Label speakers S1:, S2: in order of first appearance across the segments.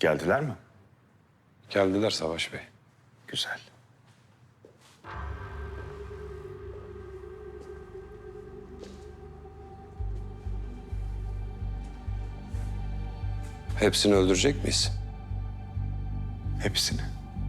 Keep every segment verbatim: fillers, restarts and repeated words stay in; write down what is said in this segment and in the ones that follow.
S1: Geldiler mi?
S2: Geldiler Savaş Bey.
S1: Güzel.
S2: Hepsini öldürecek miyiz?
S1: Hepsini.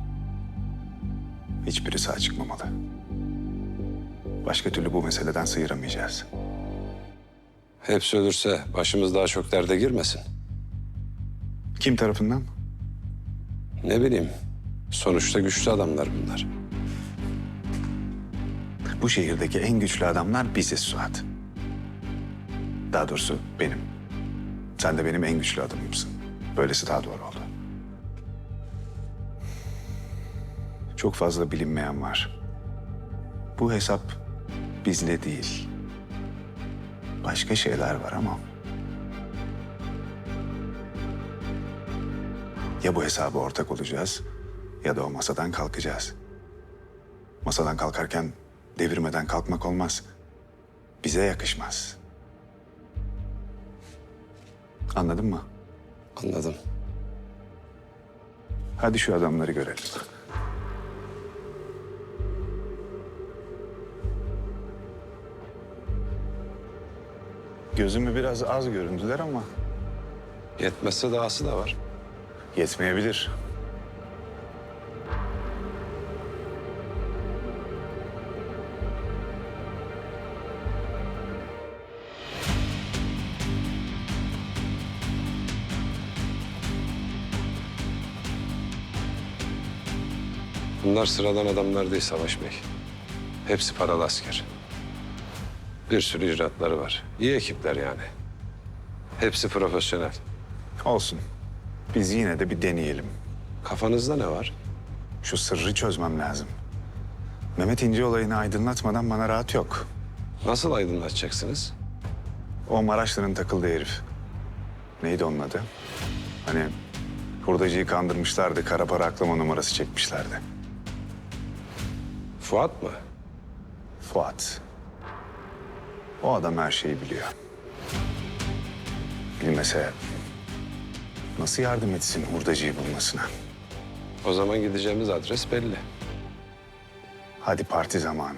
S1: Hiçbiri sağ çıkmamalı. Başka türlü bu meseleden sıyıramayacağız.
S2: Hepsi ölürse başımız daha çok derde girmesin.
S1: Kim tarafından?
S2: Ne bileyim, sonuçta güçlü adamlar bunlar.
S1: Bu şehirdeki en güçlü adamlar biziz Suat. Daha doğrusu benim. Sen de benim en güçlü adamımsın. Böylesi daha doğru oldu. Çok fazla bilinmeyen var. Bu hesap bizle değil. Başka şeyler var ama... Ya bu hesaba ortak olacağız ya da o masadan kalkacağız. Masadan kalkarken devirmeden kalkmak olmaz. Bize yakışmaz. Anladın mı?
S2: Anladım.
S1: Hadi şu adamları görelim. Gözümü biraz az göründüler ama
S2: Yetmezse dahası da var.
S1: yetmeyebilir.
S2: Bunlar sıradan adamlar değil Savaş Bey. Hepsi paralı asker. Bir sürü icraatları var. İyi ekipler yani. Hepsi profesyonel.
S1: Olsun. Biz yine de bir deneyelim.
S2: Kafanızda ne var?
S1: Şu sırrı çözmem lazım. Mehmet İnce olayını aydınlatmadan bana rahat yok.
S2: Nasıl aydınlatacaksınız?
S1: O Maraşlı'nın takıldığı herif. Neydi onun adı? Hani hurdacıyı kandırmışlardı, kara para aklama numarası çekmişlerdi.
S2: Fuat mı?
S1: Fuat. O adam her şeyi biliyor. Bilmese nasıl yardım etsin hurdacıyı bulmasına?
S2: O zaman gideceğimiz adres belli.
S1: Hadi parti zamanı.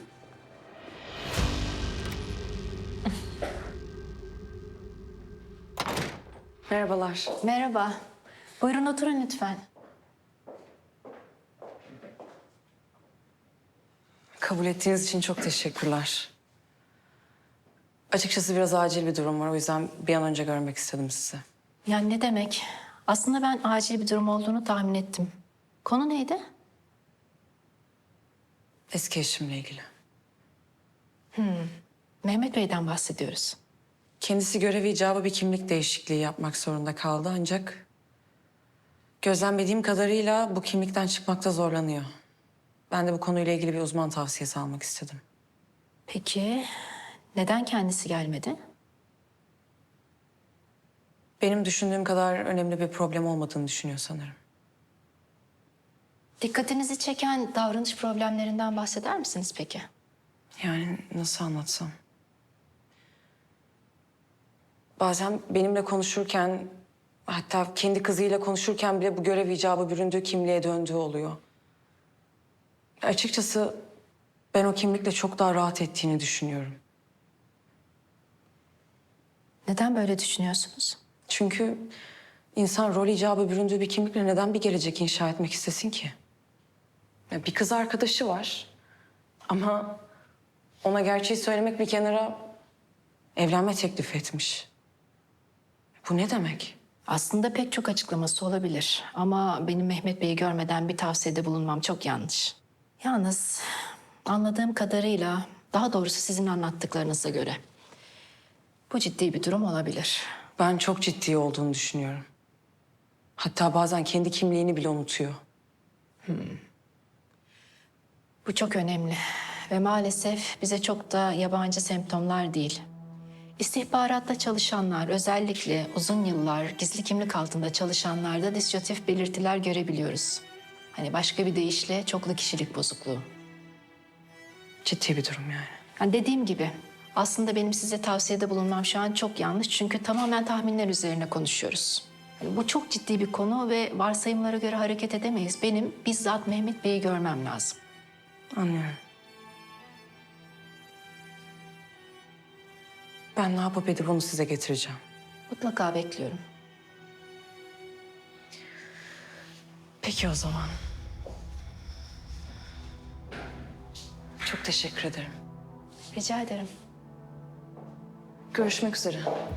S3: Merhabalar.
S4: Merhaba. Buyurun oturun lütfen.
S3: Kabul ettiğiniz için çok teşekkürler. Açıkçası biraz acil bir durum var. O yüzden bir an önce görmek istedim sizi.
S4: Yani ne demek? Aslında ben acil bir durum olduğunu tahmin ettim. Konu neydi?
S3: Eski eşimle ilgili.
S4: Mehmet Bey'den bahsediyoruz.
S3: Kendisi görevi icabı bir kimlik değişikliği yapmak zorunda kaldı ancak... gözlemlediğim kadarıyla bu kimlikten çıkmakta zorlanıyor. Ben de bu konuyla ilgili bir uzman tavsiyesi almak istedim.
S4: Peki neden kendisi gelmedi?
S3: Benim düşündüğüm kadar önemli bir problem olmadığını düşünüyor sanırım.
S4: Dikkatinizi çeken davranış problemlerinden bahseder misiniz peki?
S3: Yani nasıl anlatsam? Bazen benimle konuşurken, hatta kendi kızıyla konuşurken bile bu görev icabı büründüğü kimliğe döndüğü oluyor. Açıkçası ben o kimlikle çok daha rahat ettiğini düşünüyorum.
S4: Neden böyle düşünüyorsunuz?
S3: Çünkü insan rol icabı büründüğü bir kimlikle neden bir gelecek inşa etmek istesin ki? Ya bir kız arkadaşı var ama ona gerçeği söylemek bir kenara evlenme teklif etmiş. Bu ne demek?
S4: Aslında pek çok açıklaması olabilir. Ama benim Mehmet Bey'i görmeden bir tavsiyede bulunmam çok yanlış. Yalnız anladığım kadarıyla, daha doğrusu sizin anlattıklarınıza göre... bu ciddi bir durum olabilir.
S3: Ben çok ciddi olduğunu düşünüyorum. Hatta bazen kendi kimliğini bile unutuyor.
S4: Bu çok önemli ve maalesef bize çok da yabancı semptomlar değil. İstihbaratta çalışanlar, özellikle uzun yıllar gizli kimlik altında çalışanlarda dissozitif belirtiler görebiliyoruz. Hani başka bir deyişle çoklu kişilik bozukluğu.
S3: Ciddi bir durum yani.
S4: Yani dediğim gibi aslında benim size tavsiyede bulunmam şu an çok yanlış. Çünkü tamamen tahminler üzerine konuşuyoruz. Yani bu çok ciddi bir konu ve varsayımlara göre hareket edemeyiz. Benim bizzat Mehmet Bey'i görmem lazım.
S3: Anlıyorum. Ben ne yapıp edip onu size getireceğim.
S4: Mutlaka bekliyorum.
S3: Peki o zaman. Çok teşekkür ederim.
S4: Rica ederim.
S3: Görüşmek üzere.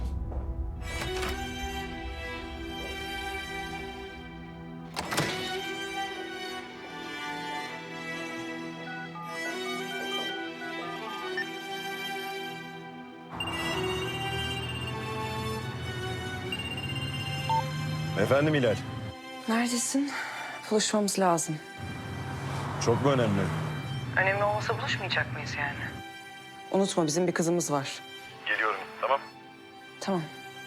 S5: Efendim Hilal,
S3: Neredesin? Buluşmamız lazım.
S5: çok mu önemli?
S3: Önemli olmasa buluşmayacak mıyız yani? Unutma bizim bir kızımız var.
S5: Geliyorum, tamam.
S3: Tamam.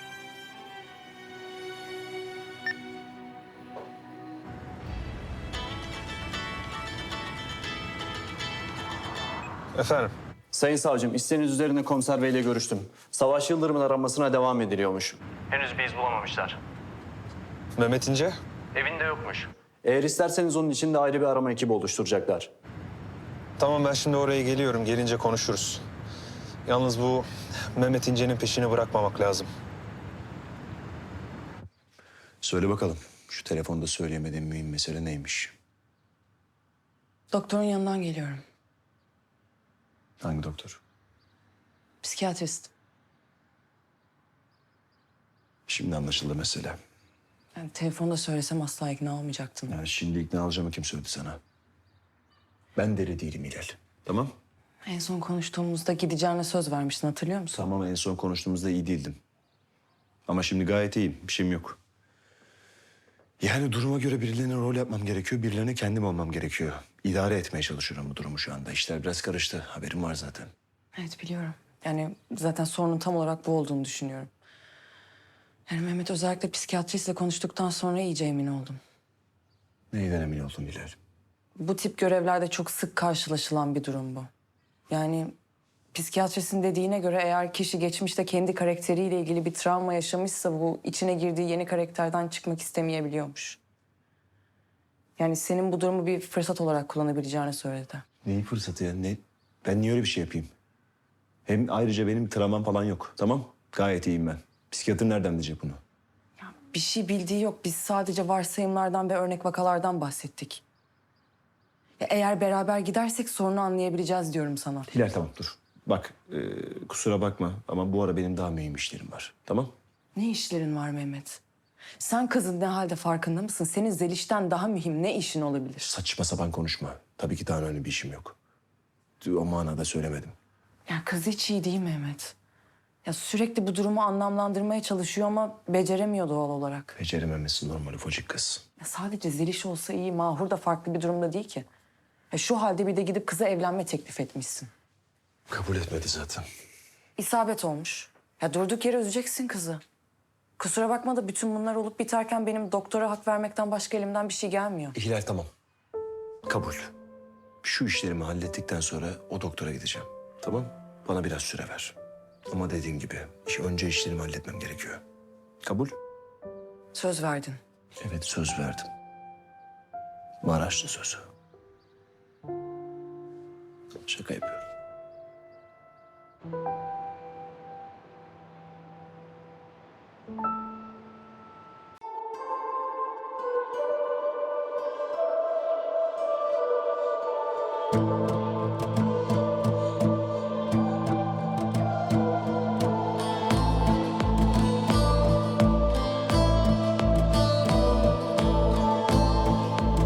S5: Efendim?
S6: Sayın savcım, isteğiniz üzerine komiser beyle görüştüm. Savaş Yıldırım'ın aranmasına devam ediliyormuş.
S7: Henüz bir iz bulamamışlar.
S5: Mehmet İnce?
S7: Evinde yokmuş.
S6: Eğer isterseniz onun için de ayrı bir arama ekibi oluşturacaklar.
S5: Tamam ben şimdi oraya geliyorum, gelince konuşuruz. Yalnız bu Mehmet İnce'nin peşini bırakmamak lazım.
S8: Söyle bakalım, şu telefonda söyleyemediğim mühim mesele neymiş?
S3: Doktorun yanından geliyorum.
S8: Hangi doktor?
S3: Psikiyatrist.
S8: Şimdi anlaşıldı mesele.
S3: Yani telefonda söylesem asla ikna olmayacaktım.
S8: Yani şimdi ikna alacağımı kim söyledi sana? Ben deli değilim Hilal. Tamam?
S3: En son konuştuğumuzda gideceğine söz vermiştin, hatırlıyor musun?
S8: Tamam, en son konuştuğumuzda iyi değildim. Ama şimdi gayet iyiyim, bir şeyim yok. Yani duruma göre birilerine rol yapmam gerekiyor, birilerine kendim olmam gerekiyor. İdare etmeye çalışıyorum bu durumu şu anda. İşler biraz karıştı, haberim var zaten.
S3: Evet, biliyorum. Yani zaten sorunun tam olarak bu olduğunu düşünüyorum. Yani Mehmet özellikle psikiyatristle konuştuktan sonra iyice emin oldum.
S8: Neyden emin oldun Hilal?
S3: Bu tip görevlerde çok sık karşılaşılan bir durum bu. Yani psikiyatristin dediğine göre eğer kişi geçmişte kendi karakteriyle ilgili bir travma yaşamışsa bu içine girdiği yeni karakterden çıkmak istemeyebiliyormuş. Yani senin bu durumu bir fırsat olarak kullanabileceğini söyledi.
S8: Neyi fırsatı ya? Ne? Ben niye öyle bir şey yapayım? Hem ayrıca benim travmam falan yok, tamam? Gayet iyiyim ben. Psikiyatr nereden bilecek bunu?
S3: Bir şey bildiği yok. Biz sadece varsayımlardan ve örnek vakalardan bahsettik. Ya eğer beraber gidersek sorunu anlayabileceğiz diyorum sana.
S8: Hilal tamam dur. Bak e, kusura bakma ama bu ara benim daha mühim işlerim var. Tamam?
S3: Ne işlerin var Mehmet? Sen kızın ne halde farkında mısın? Senin Zeliş'ten daha mühim ne işin olabilir?
S8: Saçma sapan konuşma. Tabii ki daha önemli bir işim yok. O manada söylemedim.
S3: Ya kız hiç iyi değil Mehmet. Ya sürekli bu durumu anlamlandırmaya çalışıyor ama beceremiyor doğal olarak.
S8: Becerememesi normal ufacık kız.
S3: Ya sadece Zeliş olsa iyi, Mahur da farklı bir durumda değil ki. Ya şu halde bir de gidip kıza evlenme teklif etmişsin.
S8: Kabul etmedi zaten.
S3: İsabet olmuş. Ya durduk yere üzeceksin kızı. Kusura bakma da bütün bunlar olup biterken benim doktora hak vermekten başka elimden bir şey gelmiyor.
S8: Hilal tamam. Kabul. Şu işlerimi hallettikten sonra o doktora gideceğim. Tamam? Bana biraz süre ver. Ama dediğim gibi iş- önce işlerimi halletmem gerekiyor. Kabul?
S3: Söz verdin.
S8: Evet söz verdim. Maraşlı sözü. Şaka yapıyorum.